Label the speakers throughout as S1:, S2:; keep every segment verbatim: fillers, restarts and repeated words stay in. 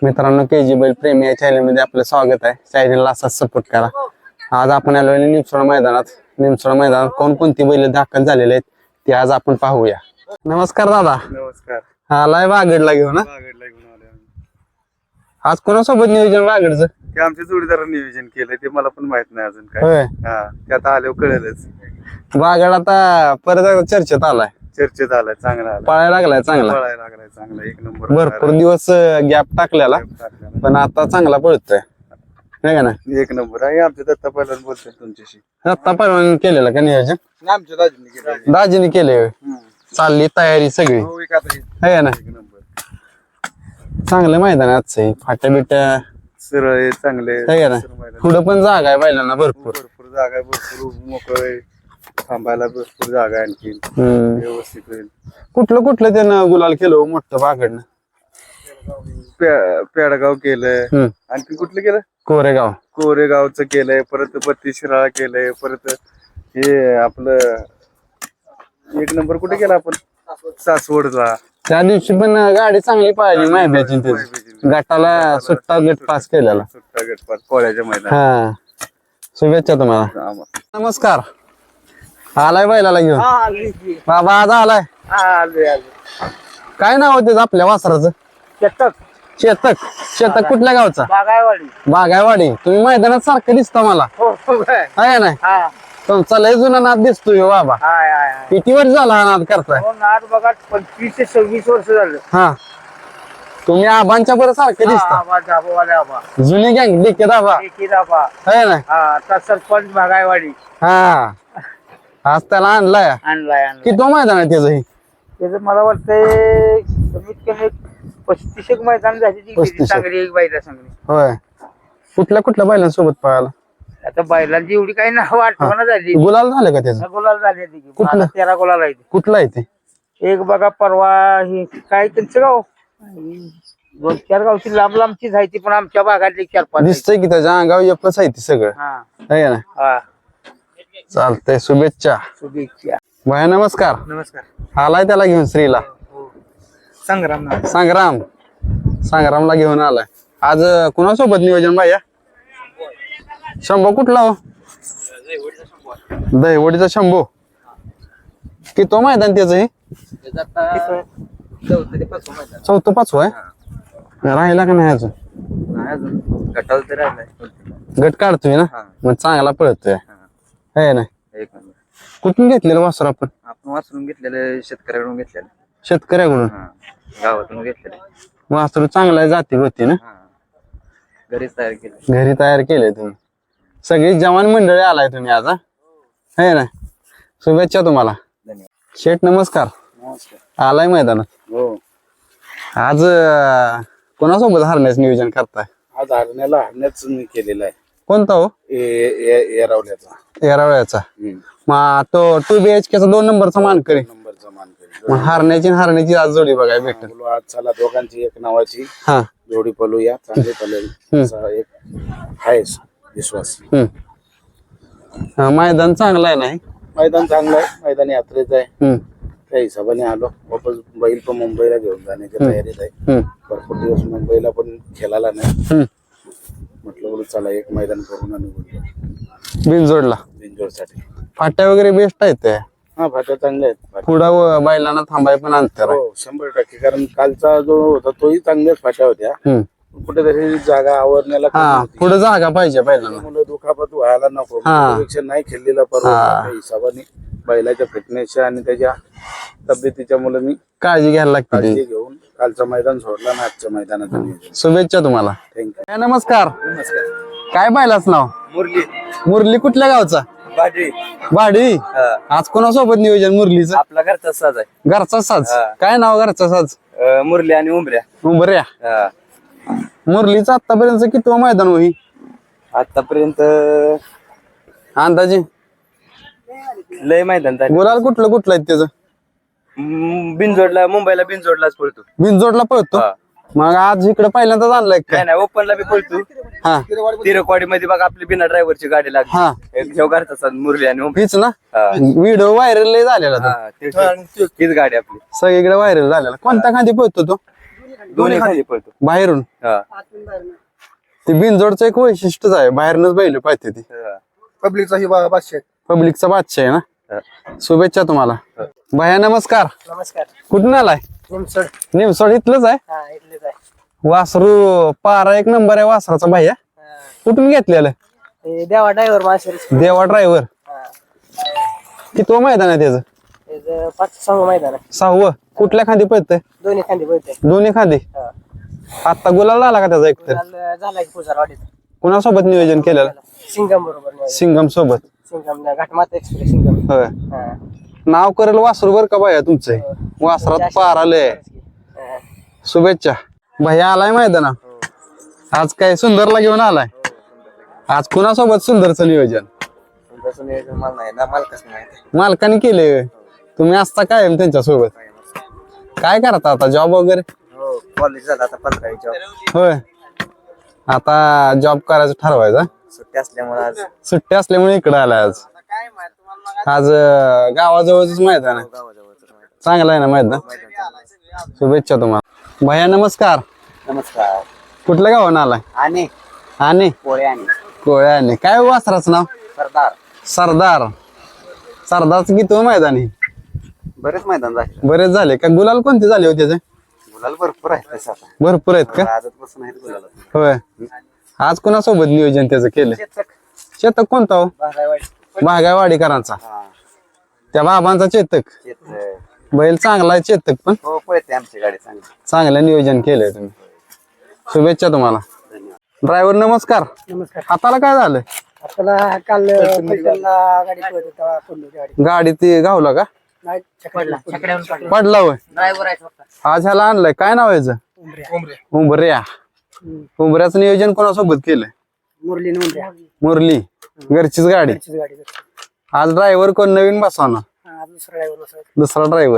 S1: मित्रांनो, के जी बैल प्रेमी या चॅनल मध्ये आपलं स्वागत आहे. चॅनलला असाच सपोर्ट करा. आज आपण आलो निमसोड मैदानात. निमसोड मैदानात कोणकोणती बैल दाखल झालेले आहेत ते आज आपण पाहूया. नमस्कार दादा.
S2: नमस्कार.
S1: आलाय वागडला घेऊन.
S2: वागडला घेऊन आले आम्ही.
S1: आज कोणासोबत नियोजन वागडचं?
S2: ते आमच्या जोडीदारांनी नियोजन केलंय, ते मला पण माहित नाही अजून काय.
S1: होय.
S2: हा, ते आता आल्यावर कळेलच.
S1: वागड आता परत चर्चेत आलाय,
S2: चर्चेत आलाय, चांगला आला,
S1: पळायला लागलाय चांगला.
S2: पळायला लागलाय चांगला, एक नंबर.
S1: भरपूर दिवस गॅप टाकलेला पण आता चांगला पळतोय नाही का ना.
S2: एक नंबर आहे. आमच्या दत्ता पहिला बोलतोय तुमच्याशी.
S1: आता पहिल्यांदा केलेलं का नियोजन?
S2: आमच्या दाजीने केलं.
S1: दाजीने केले. चालली तयारी सगळी
S2: हो, एक आता
S1: आहे ना.
S2: एक नंबर.
S1: चांगलं मैदान आहे आजचं. फाट्या बिट्या
S2: सरळ आहे, चांगले
S1: आहे ना. पुढं पण जागा आहे बैलांना भरपूर.
S2: भरपूर जागा आहे, भरपूर मोकळ आहे, थांबायला भरपूर जागा आहे. आणखी
S1: हम्म.
S2: व्यवस्थित होईल.
S1: कुठलं कुठलं त्यानं गुलाल केलं हो मोठं वाकडनं?
S2: पे- पेडगाव केलंय.
S1: हम्म.
S2: आणखी कुठलं केलं?
S1: कोरेगाव.
S2: कोरेगावचं केलंय, परत बत्तीस शिराळा केलंय, परत हे आपलं एक नंबर कुठे केला आपण? सासवडला.
S1: त्या दिवशी पण गाडी चांगली पाहिली माहिती त्याची. गटाला सुट्टा गट पास केलेला.
S2: सुट्टा गटपात कोळ्याच्या मैदानात.
S1: हा, शुभेच्छा तुम्हाला. नमस्कार. आलाय बैलाला घेऊन बाबा? आज आलाय. काय नाव होते आपल्या वासराचं?
S3: चेतक.
S1: शेतक. शेतक कुठल्या गावचा?
S3: बागायवाडी.
S1: बागायवाडी. तुम्ही मैदानात सारखं दिसता मला,
S3: हो हो काय.
S1: आहे ना.
S3: हा
S1: तुमचा लय जुना नाद दिसतोय हो बाबा.
S3: हाय हाय हाय.
S1: किती वर्ष झाला हा नाद करताय?
S3: हो नाट बघा, पंचवीस ते सव्वीस वर्ष झालं.
S1: हा, तुम्ही आबांच्या बरं सारखे दिसता.
S3: आबा जाबोवाले आबा.
S1: जुनी गँग डिके दाबा,
S3: एकी आबा.
S1: आहे ना.
S3: हा आता सरपंच बागायवाडी.
S1: हा, आज त्याला आणलाय.
S3: आणलाय आणलाय.
S1: किती मैदान आहे त्याचं?
S3: त्याचं मला वाटतंय कमीत कमी पस्तीस एक मैदान झाली ती
S1: पस्तीस एक.
S3: चांगली, एक बायला चांगली.
S1: होय. कुठल्या कुठल्या बैलांसोबत पळाला?
S3: आता बैलांची एवढी काही नाव आठवण झाली.
S1: गुलाल झालं का त्याचं?
S3: गुलाल झाले तिथे.
S1: कुठलं?
S3: मला तेरा गुलाल आहे.
S1: कुठला आहे ते?
S3: एक बघा परवा हे काय त्यांचं गाव, दोन चार गावची लांब लांबचीच आहे ती, पण आमच्या भागातली चार पाच आहेत.
S1: दिसतंय की त्याच्या अंगावर एकच आहे ती सगळं,
S3: हा
S1: आहे ना.
S3: हा.
S1: चालतंय, शुभेच्छा.
S3: शुभेच्छा.
S1: भया नमस्कार.
S3: नमस्कार.
S1: आलाय त्याला घेऊन श्रीला?
S3: संग्राम ना.
S1: संग्राम. संग्रामला घेऊन आलाय आज. कुणासोबत नियोजन बाया? शंभू कुठला हो? दहीवडीचा शंभू. की तो मैदान त्याच हे चौथं पाचवं आहे. राहिला का नाही अजून? गट काढतोय ना, मग चांगला पळतोय, आहे ना. कुठून घेतलेलं वासर आपण?
S4: आपण वाचून घेतलेलं, शेतकऱ्याकडून घेतलेलं,
S1: शेतकऱ्याकडून.
S4: गावातून घेतलेलं.
S1: वासरू चांगला जाती होती ना.
S4: घरीच तयार केलं.
S1: घरी तयार केले तुम्ही. सगळी जवान मंडळी आलाय तुम्ही आज, आहे ना. शुभेच्छा तुम्हाला. शेठ नमस्कार. आलाय मैदानात.
S2: हो,
S1: आज अं, कोणासोबत हरण्याचं नियोजन करताय?
S2: आज हरण्याला हरण्याच मी केलेला आहे.
S1: कोणता हो?
S2: येरावल्याचा
S1: येरावळ्याचा. मग तो टू बी एच केचा दोन नंबरचा मानकरी.
S2: नंबरचा मान
S1: मग हरण्याची आणि हरण्याची आज जोडी बघाय भेटेल.
S2: केला. आज चला दोघांची एक नावाची
S1: हा.
S2: जोडी पळूया, चांगली पळेल असा एक आहे विश्वास.
S1: हम्म. हा, मैदान चांगलं आहे नाही.
S2: मैदान चांगलं आहे, मैदान यात्रेचं आहे.
S1: हम्म.
S2: त्या हिशोबाने आलो वापस. बैल पण मुंबईला घेऊन जाण्याच्या तयारीत आहे.
S1: हम्म.
S2: भरपूर दिवस मुंबईला पण खेळाला नाही.
S1: हम्म.
S2: म्हटलं बोलू चला एक मैदान करून आणि बोललो
S1: बिनजोडला.
S2: बिंजोरसाठी.
S1: फाट्या वगैरे बेस्ट आहेत त्या.
S2: हा, फाट्या चांगल्या आहेत. फाट्या-
S1: पुढं बैलांना थांबाय पण अंतर आहे.
S2: हो, शंभर टक्के. कारण कालचा जो होता तोही चांगल्याच फाट्या होत्या.
S1: हम्म.
S2: कुठेतरी जागा आवरण्याला कमी
S1: हा,
S2: होती.
S1: पुढे जागा पाहिजे बैलांना.
S2: मुलं दुखापत व्हायला नको,
S1: हा.
S2: त्यापेक्षा नाही खेळलेला परवा हिशोबाने बैलाच्या फिटनेसच्या आणि त्याच्या तब्येतीच्या मुलं मी
S1: काळजी घ्यायला लागते.
S2: काळजी घेऊन कालचं मैदान सोडला ना आजच्या मैदानात.
S1: शुभेच्छा तुम्हाला.
S2: थँक्यू.
S1: नमस्कार.
S4: नमस्कार.
S1: काय बैलाच नाव?
S4: मुरली.
S1: मुरली कुठल्या गावचा?
S4: बाजरी.
S1: भाडी. आज कोणासोबत नियोजन मुरलीचं?
S4: आपला घरचा साज आहे.
S1: घरचा साज. काय नाव घरचा साज?
S4: अं, मुरली आणि उमऱ्या.
S1: उंबऱ्या.
S4: हा.
S1: मुरलीचं आतापर्यंत किती मैदान होई
S4: आतापर्यंत
S1: अंदाजे?
S4: लय मैदान झाले.
S1: गुलाल कुठलं कुठलं आहे त्याचं?
S4: म, बिनजोडला, मुंबईला बिनजोडलाच पळतो.
S1: बिनजोडला पळतो.
S4: हा.
S1: मग आज इकडे पहिल्यांदाच आणलाय
S4: काय
S1: काय?
S4: नाही, ओपनला बी पळतो.
S1: हा
S4: तिरकवाडी मध्ये बघा आपली बिना ड्रायव्हरची गाडी लागली.
S1: हा,
S4: एक शेव घरचा साज मुरली आणि उमऱ्या.
S1: हीच ना.
S4: हा.
S1: व्हिडिओ व्हायरल लय झालेला तो.
S4: हा, ते- हीच गाडी आपली.
S1: सगळीकडे व्हायरल झालेला. कोणत्या खांदी पळतो तो?
S4: दोन्ही खाली पळतो.
S1: बाहेरून
S4: हा.
S1: ते बिनजोडचं एक वैशिष्ट्यच आहे, बाहेरनच बैल पाहिजे ती.
S4: हा.
S2: पब्लिकचा ही बा- बादशाह आहे.
S1: पब्लिकचा बादशाह आहे ना. शुभेच्छा तुम्हाला. भैया नमस्कार.
S3: नमस्कार.
S1: कुठून आलाय?
S3: निमसोड.
S1: निमसोड इथलंच आहे.
S3: हा इथलेच आहे.
S1: वासरू पारा एक नंबर आहे वासराचा भैया. कुठून घेतलेलं?
S3: ते देवा ड्रायव्हर मास्टर.
S1: देवा ड्रायव्हर. किती मैदान आहे त्याचं?
S3: पाच सहा मैदान आहे.
S1: सहावं. कुठल्या खांदी पळतंय?
S3: दोन्ही खांदी पळते.
S1: दोन्ही खांदी. आता गुलाल आला का त्याचा एक तर?
S3: झाला की पुजारवाडीत.
S1: कुणासोबत नियोजन केलेलं?
S3: सिंगम बरोबर.
S1: सिंगम सोबत.
S3: सिंगम घाटमाता एक्सप्रेस सिंगम.
S1: होय. नाव करेल वासरू बर का भैया तुमचं? वासरात पार आलंय. शुभेच्छा. भैया आलाय मैदाना. आज काय सुंदरला घेऊन आलाय? आज कुणासोबत सुंदरचं नियोजन? मालकाने केले. तुम्ही असता काय त्यांच्या सोबत? काय करता आता, जॉब वगैरे?
S4: कॉलेज झाला आता पंधरा जॉब.
S1: होय. आता जॉब करायचं ठरवायचं.
S4: सुट्टी असल्यामुळे आज
S1: सुट्टी असल्यामुळे इकडे आलाय आज. आज अं, गावाजवळच मैदान आहे. चांगलं आहे ना मैदान? शुभेच्छा तुम्हाला. भैया नमस्कार.
S3: नमस्कार.
S1: कुठल्या गावानं आलाय?
S3: आणि
S1: आणि
S3: पोळे आणि
S1: कोळ्याने. काय वासराचं नाव?
S3: सरदार.
S1: सरदार. सरदारचं किती मैदान आहे?
S4: बरेच मैदान झाले.
S1: बरेच झाले का? गुलाल कोणते झाले होते त्याचे?
S4: गुलाल भरपूर आहे तसं आता.
S1: भरपूर आहेत का?
S4: आजच बसून आहेत गुलाला.
S1: होय. आज कोणासोबत नियोजन त्याचं केलं? चेतक कोणता हो? बागायवाडीकरांचा. त्या बाबांचा चेतक. बैल चांगला आहे चेतक पण.
S4: हो पळते आमची गाडी चांगली.
S1: चांगलं नियोजन केलंय तुम्ही. शुभेच्छा तुम्हाला. ड्रायव्हर नमस्कार.
S3: नमस्कार.
S1: हाताला काय झालं?
S3: आपल्याला काल पैठणला गाडी पळत होता. पडलो ती गाडी.
S1: गाडी ती गावला का?
S3: नाही, छकड्यावरून पडलो.
S1: पडला होय.
S3: ड्रायव्हर आहे फक्त.
S1: आज ह्याला आणलंय, काय नाव आहे याचं?
S3: उमऱ्या.
S1: उंबऱ्या. उंबऱ्याचं नियोजन कोणासोबत केलंय?
S3: मुरली उमऱ्या.
S1: मुरली. घरचीच गाडी.
S3: त्याचीच गाडी करतो.
S1: आज ड्रायव्हर कोण नवीन बसवणार?
S3: हा, दुसरा ड्रायव्हर बसवतो.
S1: दुसरा ड्रायव्हर.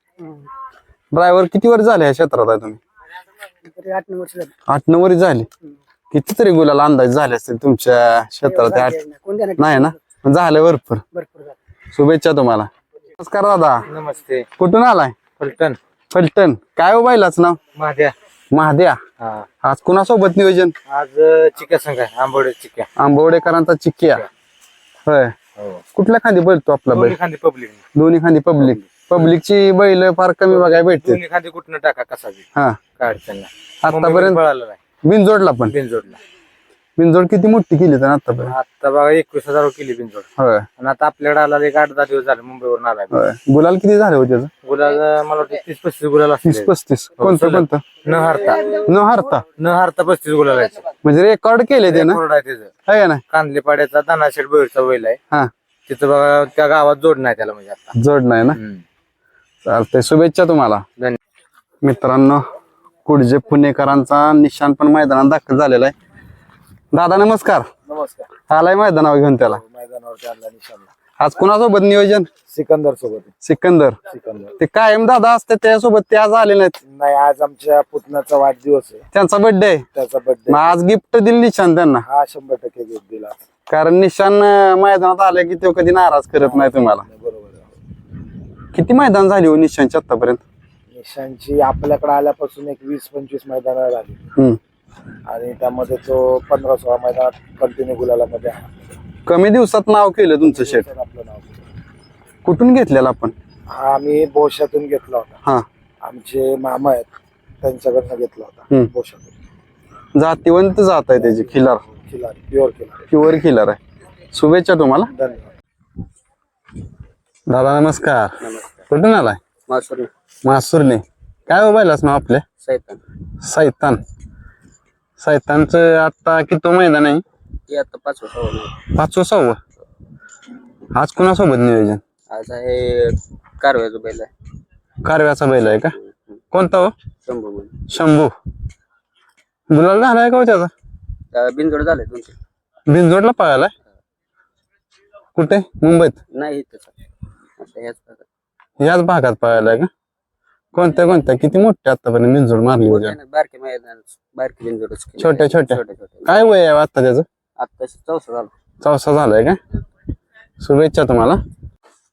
S1: ड्रायव्हर किती वर्ष झाले ह्या क्षेत्रात आहे तुम्ही?
S3: तरी आठ नऊ वर्ष झाली.
S1: आठ नऊ वर्ष झाली. कितीतरी गुलाल अंदाज झाले असतील तुमच्या क्षेत्रात? आठ
S3: कोणत्या
S1: नाही ना? झालं भरपूर.
S3: भरपूर झालं.
S1: शुभेच्छा तुम्हाला. नमस्कार दादा.
S3: नमस्ते.
S1: कुठून आलाय?
S3: फलटण.
S1: फलटण. काय हो बैलाच नाव?
S3: महाद्या.
S1: महाद्या. आज कुणासोबत नियोजन?
S3: आज चिक्या संघ आहे. आंबोडे चिक्या.
S1: आंबवडेकरांचा चिक्किया. होय. कुठल्या खांदी बोलतो आपला बैल?
S3: खांदी पब्लिक.
S1: दोन्ही खांदी पब्लिक. पब्लिकची बैल फार कमी बघायला भेटते.
S3: दोन्ही खांदी कुठनं टाका कसा बी.
S1: हा.
S3: काय अडचण नाही.
S1: आतापर्यंत
S3: पळाला नाही.
S1: बिनजोडला पण.
S3: बिनजोडला.
S1: बिनजोड किती मोठी केली तर आतापर्यंत?
S3: आता बघा एकवीस हजार केली बिनजोड.
S1: होय.
S3: आणि आता आपल्याकडे आला एक आठ दहा दिवस झाले मुंबईवरून आलाय.
S1: होय. गुलाल किती झाले होते त्याचं?
S3: गुलाल मला वाटतं तीस पस्तीस गुलाल
S1: तीस
S3: असतील.
S1: पस्तीस. कोणतं कोणतं?
S3: न हारता.
S1: न हारता.
S3: न हारता पस्तीस गुलाल आहे.
S1: म्हणजे रेकॉर्ड केले ते ना?
S3: कोरडा आहे त्याचं.
S1: आहे का ना?
S3: कांदले पाड्याचा दानाशेठ बैलचा बैल आहे.
S1: हा.
S3: तिथं बघा त्या गावात जोड नाही त्याला म्हणजे आता.
S1: जोड नाही ना? चालतंय. शुभेच्छा तुम्हाला.
S3: धन्यवाद.
S1: मित्रांनो, कुडजे पुणेकरांचा निशाण पण मैदानात दाखल झालेला आहे. दादा नमस्कार.
S3: नमस्कार.
S1: आलाय मैदानावर घेऊन त्याला?
S3: मैदानावरती आणला निशाणला.
S1: आज कुणासोबत नियोजन?
S3: सिकंदर सोबत.
S1: सिकंदर.
S3: सिकंदर.
S1: ते कायम दादा असते त्यासोबत ते आज आले नाहीत.
S3: नाही, आज आमच्या पुतण्याचा वाढदिवस आहे.
S1: त्यांचा बर्थडे आहे.
S3: त्याचा बर्थडे.
S1: मग आज गिफ्ट दिली निशान त्यांना.
S3: हा शंभर टक्के गिफ्ट दिला.
S1: कारण निशान अं, मैदानात आले की तो कधी नाराज करत नाही तुम्हाला.
S3: बरोबर आहे.
S1: किती मैदान झाली हो निशांची आतापर्यंत?
S3: निशांची आपल्याकडे आल्यापासून एक वीस पंचवीस मैदान झाली.
S1: हम्म.
S3: आणि त्यामध्ये तो पंधरा सोळा मैदानात कंटिन्यू गुलालामध्ये आहे.
S1: कमी दिवसात नाव केलं तुमचं शेट.
S3: आपलं नाव.
S1: कुठून घेतलेलं आपण?
S3: हा आम्ही बोशातून घेतला होता.
S1: हा.
S3: आमचे मामा आहेत त्यांच्याकडनं घेतला होता.
S1: हम्म.
S3: बोशातून.
S1: जातीवंत जात आहे त्याची. खिलार.
S3: खिलार. प्युअर खिलार.
S1: प्युअर खिलार आहे. शुभेच्छा तुम्हाला.
S3: धन्यवाद.
S1: दादा नमस्कार. कुठून आलाय?
S3: मासुरी.
S1: मासुरने. काय हो बैलाच नाव आपल्या?
S3: सैतान.
S1: सैतान. सैतानचं आता किती मैदान आहे?
S3: ते आता पाचवं सहावं.
S1: पाचवं सहावं. आज कुणासोबत नियोजन?
S3: आज आहे कारव्याचं बैल आहे.
S1: कारव्याचा बैल आहे का? कोणता हो?
S3: शंभू बैल.
S1: शंभू. गुलाल झालाय का हो त्याचा?
S3: बिनजोड झाले दोन तीन.
S1: बिनजोडला पळालाय? कुठे? मुंबईत?
S3: नाही त्याचा. आता ह्याच भागात.
S1: याच भागात पळालाय का? कोणत्या कोणत्या किती मोठ्या आतापर्यंत बिनजोड मारली होती?
S3: बारके मैदान बारके बिनजोडच.
S1: छोट्या छोट्या.
S3: छोटे छोटे.
S1: काय वय आहे आता त्याचं?
S3: आता चौसा झाला.
S1: चौसा झालाय का? शुभेच्छा तुम्हाला.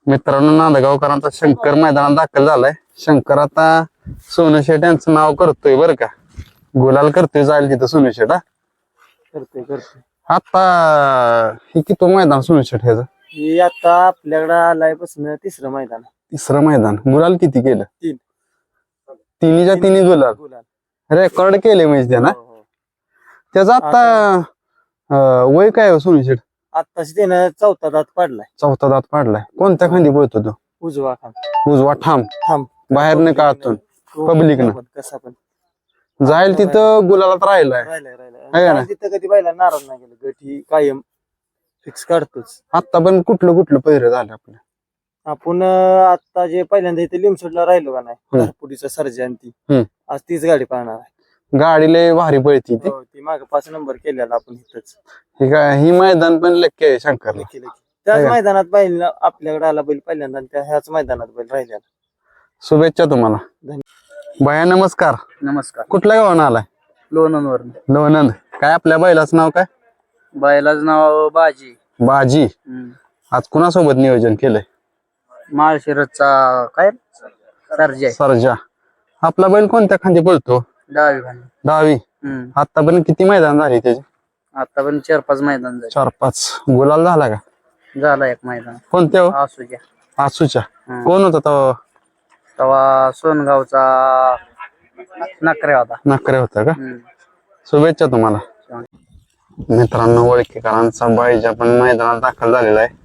S1: मित्रांनो नांदगावकरांचा शंकर मैदानात दाखल झालाय. शंकर आता सोनू शेट यांचं नाव करतोय बरं का, गुलाल करतोय जाईल तिथं सोनू शेट. हा
S3: करतोय करतोय
S1: आता हे किती मैदान सोनू शेट ह्याचं?
S3: हे आता आपल्याकडे आलायपासून तिसरं मैदान आहे.
S1: तिसरं मैदान. गुलाल किती केलं?
S3: तीन.
S1: तिन्हीच्या तिन्ही गुलाल
S3: गुलाल
S1: रेकॉर्ड केले म्हणजे त्यानं.
S3: हो, हो.
S1: त्याचं आता अं, वय काय हो सोनू शेट?
S3: आत्ताच त्यानं चौथा दात पाडलाय.
S1: चौथा दात पाडलाय. कोणत्या खांदी पळतो तो?
S3: उजवा खान
S1: उजवा ठाम
S3: थांब
S1: बाहेर नाही का आतून Public न.
S3: कसा पण
S1: जाईल तिथं गुलालात राहिलाय.
S3: राहिलाय
S1: आहे का
S3: राहिलाय
S1: नाही?
S3: तिथं कधी बायला नाराज नाही गेलं. गठी कायम फिक्स काढतोच
S1: आता पण कुठलं कुठलं पहिरं झालं आपलं?
S3: आपण. अं, आता जे पहिल्यांदा इथे लिमसोडला राहिलो का नाही
S1: हम्म.
S3: पुढीचा सर्जन ती
S1: हम्म.
S3: आज तीच गाडी पाहणार आहे.
S1: गाडी लय भारी पळती ती.
S3: हो, ती माग पाच नंबर केलेला आपण इथंच
S1: ही काय ही मैदान पण लक्की आहे शंकरला.
S3: लेखी लेखी. त्याच
S1: आहे का?
S3: मैदानात बैल आपल्याकडे आला बैल पहिल्यांदा आणि त्या ह्याच मैदानात बैल राहिलेला.
S1: शुभेच्छा तुम्हाला. भया नमस्कार.
S4: नमस्कार.
S1: कुठल्या गावानं आलाय?
S4: लोणंदवर
S1: लोणंद. काय आपल्या बैलाचं नाव काय?
S4: बायलाच नाव बाजी.
S1: बाजी.
S4: हम्म.
S1: आज कुणासोबत नियोजन केलंय?
S4: माळशिरसचा काय सर्जे
S1: सरजा. आपला बैल कोणत्या खांदी पळतो?
S4: डावी खाली.
S1: डावी.
S4: हम्म.
S1: आतापर्यंत किती मैदान झाली त्याची?
S4: आता पण चार पाच मैदान झाले.
S1: चार पाच. गुलाल झाला का?
S4: झाला एक मैदान
S1: कोणत्या हो?
S4: आसूच्या.
S1: आसूच्या.
S4: हम्म.
S1: कोण होता तो?
S4: तेव्हा सोनगावचा नकरे होता.
S1: नकरे होता का?
S4: हम्म.
S1: शुभेच्छा तुम्हाला. मित्रांनो वळकीकरांचा बाईजा पण मैदानात दाखल झालेला आहे.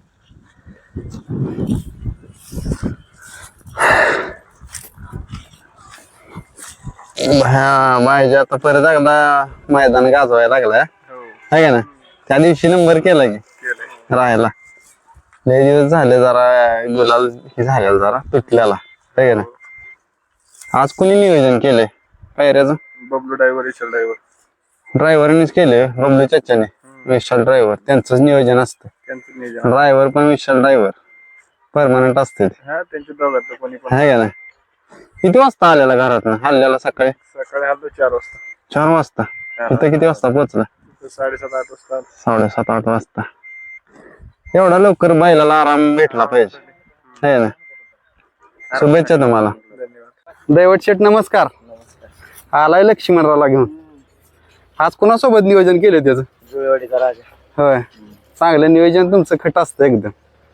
S1: हा बाईजा आता परत एकदा मैदान गाजवायला लागलाय. आहे का ना? त्या दिवशी नंबर केला की राहायला. लय दिवस झाले जरा गुलाल हे झालेला जरा तुटलेला. आहे का ना? आज कुणी नियोजन केलंय पायऱ्याचं?
S2: बबलू ड्रायव्हर विशाल ड्रायव्हर
S1: ड्रायव्हरनेच केले. बबलू चाच्याने. विशाल ड्रायव्हर त्यांचंच नियोजन असतं.
S2: त्यांचं नियोजन.
S1: ड्रायव्हर पण विशाल ड्रायव्हर परमनंट असते.
S2: हा त्यांच्या दोघांचं कोणी पण.
S1: आहे का नाही? किती वाजता आलेला घरातनं? हल्ल्याला सकाळी
S2: सकाळी आलो चार वाजता.
S1: चार वाजता. इथं किती वाजता पोहोचला?
S2: तिथं साडेसात आठ वाजता आलो.
S1: साडेसात आठ वाजता. एवढा लवकर बैलाला आराम भेटला पाहिजे. आहे ना? शुभेच्छा तुम्हाला.
S2: धन्यवाद.
S1: दैवत शेठ नमस्कार. आलाय लक्ष्मणरावला घेऊन. आज कोणासोबत नियोजन केलं त्याचं?
S3: जुळेवाडीचा राजा
S1: होय. चांगलं नियोजन तुमचं खट असतं एकदम.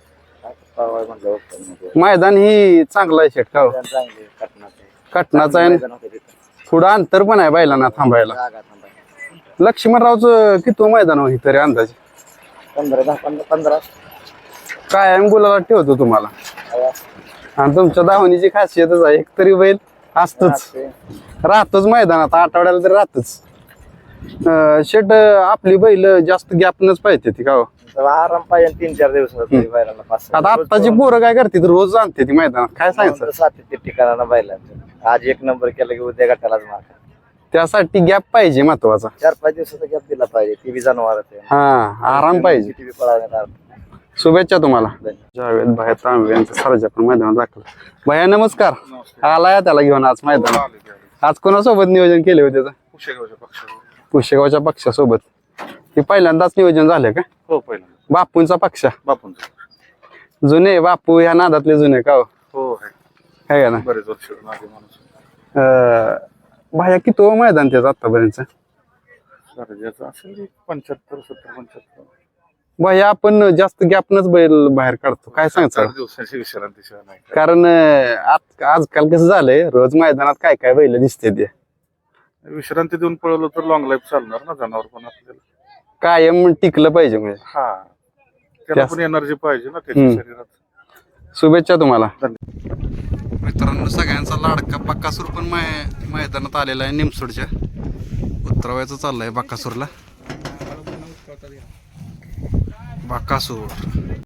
S1: मैदान ही चांगलं आहे शेठ का हो? कटनाचं आहे. पुढं अंतर पण आहे बैलांना थांबायला. लक्ष्मणरावचं किती मैदान होईल तरी अंदाजे?
S3: पंधरा दहा पंधरा पंधरा
S1: कायम गुलाला ठेवतो तुम्हाला. आणि तुमच्या धावणीची खासियतच आहे. एक तरी बैल असतोच, राहतोच मैदानात. आठवड्याला तरी राहतच. अं, शेट आपली बैल जास्त गॅपनच पाहिजे ती का हो?
S3: आराम पाहिजे तीन चार दिवस.
S1: आता आत्ताची पोरं काय करते रोज आणते ती मैदानात. काय सांगायचं?
S3: सातत्य ठिकाणा बैलांचं आज एक नंबर केला की उद्या गटालाच मार.
S1: त्यासाठी गॅप पाहिजे महत्वाचा.
S3: चार पाच दिवसाचा गॅप दिला पाहिजे. ती बी जनावर
S1: हा आराम पाहिजे.
S3: ती बी पळावण्यात.
S1: शुभेच्छा तुम्हाला. जावेद भाई तांबे यांचं सरजा पण मैदानात दाखल. भैया नमस्कार. आलाय त्याला घेऊन आज मैदानात. आज कोणासोबत नियोजन केले होते त्याचं?
S2: कुशेगावच्या पक्षावर.
S1: पुशेगावच्या पक्षासोबत. हे पहिल्यांदाच नियोजन झालं का?
S2: हो पहिल्यांदा.
S1: बापूंचा पक्ष.
S2: बापूंचं.
S1: जुने बापू ह्या नादातले जुने का हो?
S2: हो आहे.
S1: आहे का ना?
S2: बरेच वर्ष मागे माणूस.
S1: अं, भाया किती हो मैदान त्याचं आतापर्यंत?
S2: सर्जाचं असेल एक पंच्याहत्तर सत्तर पंच्याहत्तर.
S1: भाया आपण जास्त गॅपनच बैल बाहेर काढतो. काय
S2: चार
S1: सांगतो?
S2: दिवसाची विश्रांतीशिवाय नाही.
S1: कारण अं, आज- आजकाल कसं झालंय रोज मैदानात काय काय बैल दिसते ते.
S2: विश्रांती देऊन पळवलं तर लॉंग लाईफ चालणार ना जनावर पण आपल्याला.
S1: कायम टिकलं पाहिजे म्हणजे.
S2: हा त्याला पण एनर्जी पाहिजे ना त्याच्या
S1: हम्म.
S2: शरीरात.
S1: शुभेच्छा तुम्हाला.
S2: धन्यवाद.
S1: मित्रांनो सगळ्यांचा लाडका बक्कासूर पण मै- मैदानात आलेला आहे. निमसोडच्या उतरवायचं चाललंय बक्कासूरला. बक्कासूर